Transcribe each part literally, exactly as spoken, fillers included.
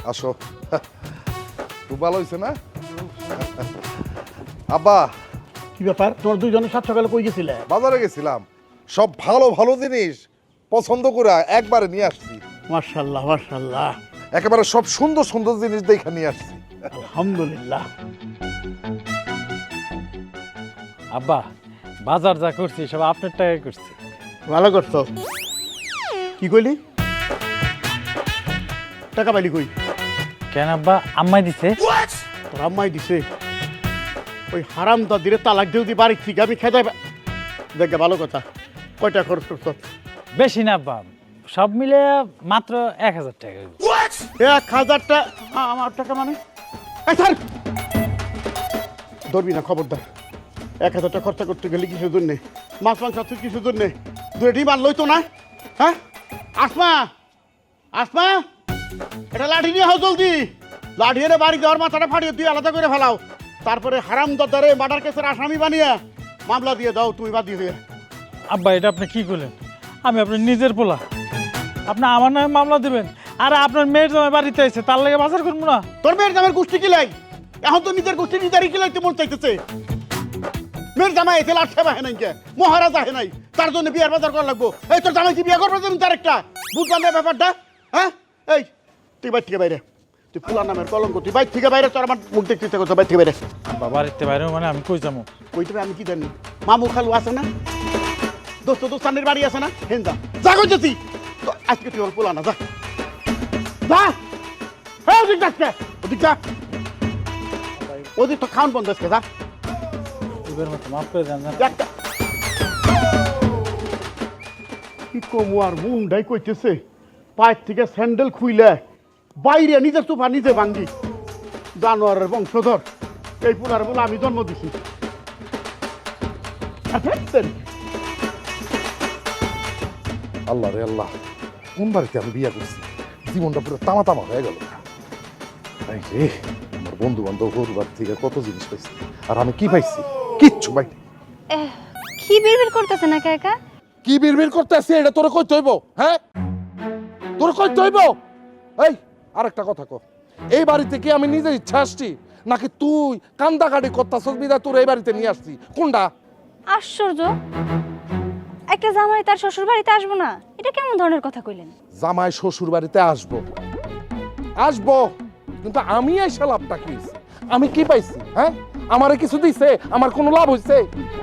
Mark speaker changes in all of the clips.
Speaker 1: আসো। খুব ভালো হয়েছে না আব্বা?
Speaker 2: কি ব্যাপার, তোর দুইজনে সাত সকালে কই গেছিলে?
Speaker 1: বাজারে গেছিলাম, সব ভালো ভালো জিনিস পছন্দ করে একবারে নিয়ে আসছি।
Speaker 2: মাশাআল্লাহ মাশাআল্লাহ,
Speaker 1: একেবারে সব সুন্দর সুন্দর জিনিস দেখে নিয়ে আসছি।
Speaker 2: আলহামদুলিল্লাহ।
Speaker 3: আব্বা, বাজার যা করছি সব আপনার টাকায় করছি।
Speaker 2: ভালো করছো। কি কইলি? টাকা পাইলি কই?
Speaker 3: কেন আব্বা, আম্মাই দিছে।
Speaker 2: তোর আম্মাই দিছে? ওই হারাম দাদিরে তালাক দিয়ে দি বাড়ি থেকে আমি খেতে দেখে। ভালো কথা। কয়টা খরচ করছো?
Speaker 3: বেশি না আব্বা, সব মিলে মাত্র এক হাজার টাকা।
Speaker 2: এক হাজারটা আমার টাকা মানে? এই স্যার ধরবি না, খবরদার। এক হাজারটা খরচা করতে গেলে কিসের জন্যে? মাছ মাংস আছে কিসের জন্যে? দুটি মাল লইতো না? হ্যাঁ আসমা, আসমা এটা লাঠি নিয়ে হও জলদি। লাঠি এনে বাড়ি দেওয়ার মাথাটা ফাটিয়ে তুই আলাদা করে ফেলাও। তারপরে হারাম দাদারে মার্ডার কেসের আসামি বানিয়ে মামলা দিয়ে দাও তুমি বাদ দিয়ে।
Speaker 3: আব্বা, এটা আপনি কি করলেন? আমি আপনার নিজের পোলা, আপনি আমার নামে মামলা দেবেন? আর আপনার মেয়ের জামাই বাড়িতে আছে, তার লাগে বাজার করবো না?
Speaker 2: তোর মেয়ের জামাইয়ের গোষ্ঠী কি লাই? এখন তো নিজের গোষ্ঠী নিজেরই কি লাইতে মন চাইতেছে। মেয়ের জামাই এসে লাট সেবা হয় নাই, কে মহারাজা হে নাই, তার জন্য বিয়ার বাজার করা লাগবো। এই তোর জামাই কি বিয়ে করবে তুমি? তার একটা বুঝলাম না ব্যাপারটা। হ্যাঁ এই তুই বাইর থেকে বাইরে, তুই ফুলার নামের কলঙ্ক, তুই বাইর থেকে বাইরে। তোর আমার মুখ দেখতে ইচ্ছা করছো, বাইর থেকে বাইরে।
Speaker 3: আব্বা, বাড়িতে বাইরে মানে আমি কই যাবো?
Speaker 2: কইতে আমি কি জানি? মামু খালু আছে না, দোস্ত দোস্তানের বাড়ি আছে না, হেন যা যা কইতেছি। তো আজকে তুই ওর ফুলা না, যা যা। হ্যাঁ ওদিক যাচ্ছে, ওদিক যা, ওদিক তো খাওয়ান বন্ধ আজকে, যা।
Speaker 3: এবার মতো মাফ করে দেন।
Speaker 2: একটা কি কমু আর মুন্ডাই কইতেছে পায়ের থেকে স্যান্ডেল খুইলে বাইরে নিজের সোফা নিজে ভাঙ্গি। জানোয়ারের বংশধর এই পুলার বলে আমি জন্ম দিছি।
Speaker 1: আল্লাহ রে আল্লাহ, কোন বাড়িতে আমি বিয়ে করছি? জীবনটা পুরো তামা তামা হয়ে গেল। এই রে, আমার বন্ধু বান্ধব ঘর থেকে কত জিনিস পাইছি, আর আমি কি পাইছি? কিচ্ছু পাই।
Speaker 4: কি বিড়বিড় করতেছেন একা একা?
Speaker 1: কি বিড়বিড় করতে আসছি এটা তোরে কইতে হইব? হ্যাঁ তোরে কইতে হইব? এই আরেকটা কথা কর, এই বাড়িতে কি আমি নিজের ইচ্ছা আসছি, নাকি তুই কান্দাকাটি করতাছস বিধায় তোর এই বাড়িতে নিয়ে আসছি? কোনটা?
Speaker 4: আশ্চর্য, একটা জামাই তার শ্বশুর বাড়িতে আসবো না, এটা কেমন ধরনের কথা কইলেন?
Speaker 1: জামাই শ্বশুর বাড়িতে আসবো আসবো, কিন্তু আমি এসে লাভটা কি হইছে? আমি কি পাইছি? হ্যাঁ আমারে কিছু দিছে? আমার কোনো লাভ হইছে?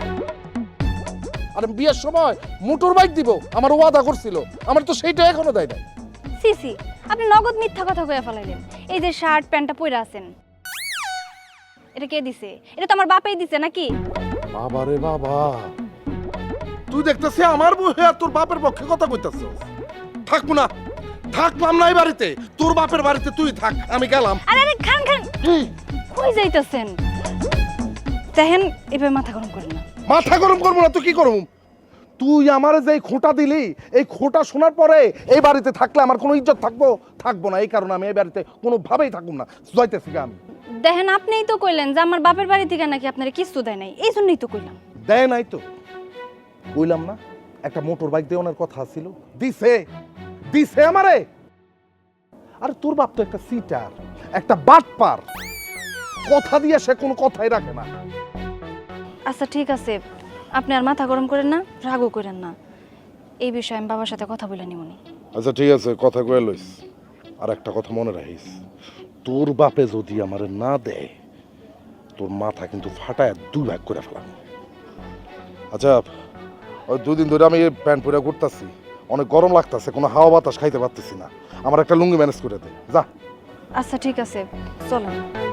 Speaker 1: আর বিয়ের সময় মোটর বাইক দিব আমার ওয়াদা করছিল, আমার তো সেইটা এখনো দেয় নাই।
Speaker 4: সি সি, আপনি নগদ মিথ্যা কথা কইয়া ফেলাইলেন। এই যে শার্ট প্যান্টটা পরে আছেন, এটা কে দিছে? এটা তো আমার বাপেই দিছে নাকি?
Speaker 1: বাবা রে বাবা, তুই দেখতেছিস আমার বউয়ে আর তোর বাপের পক্ষে কথা কইতাছস। থাকবো না, থাকলাম না এই বাড়িতে, তোর বাপের বাড়িতে তুই থাক, আমি গেলাম।
Speaker 4: আরে আরে খান খান, কই যাইতাছেন? দেখেন এভাবে মাথা গরম করেন না।
Speaker 1: মাথা গরম করবো না তো কি করবো? তুই আমার যে খোঁটা দিলি, এই খোঁটা শোনার পরে এই বাড়িতে থাকলে আমার কোনো ইজ্জত থাকবো? থাকবো না। এই কারণে আমি এই বাড়িতে কোনোভাবেই থাকবো না, যাইতেছি আমি।
Speaker 4: দেখেন আপনিই তো কইলেন যে আমার বাপের বাড়ি থেকে নাকি আপনারা কিছু দেয় নাই, এই জন্যই তো কইলাম।
Speaker 1: দেয় নাই তো কইলাম না? একটা মোটর বাইক দেওয়ার কথা ছিল, দিছে দিছে আমারে। আর তোর বাপ তো একটা সিটার, একটা বাটপার, কথা দিয়ে সে কোনো কথাই রাখে না।
Speaker 4: আচ্ছা ঠিক আছে, আপনি আর মাথা গরম করেন না, রাগও করেন না। এই বিষয়ে আমি বাবার সাথে কথা বলে নিমুনি।
Speaker 1: আচ্ছা ঠিক আছে, কথা কয়ে লইস। আর একটা কথা মনে রাখিস, তোর বাপে যদি আমারে না দেয়, তোর মাথা কিন্তু ফাটায় দুই ভাগ করে ফেলাম। আচ্ছা, ওই দুদিন ধরে আমি প্যান্ট পরে ঘুরতেছি, অনেক গরম লাগতেছে, কোনো হাওয়া বাতাস খাইতে পারতেছি না, আমার একটা লুঙ্গি ম্যানেজ করে দে, যা।
Speaker 4: আচ্ছা ঠিক আছে, চলো।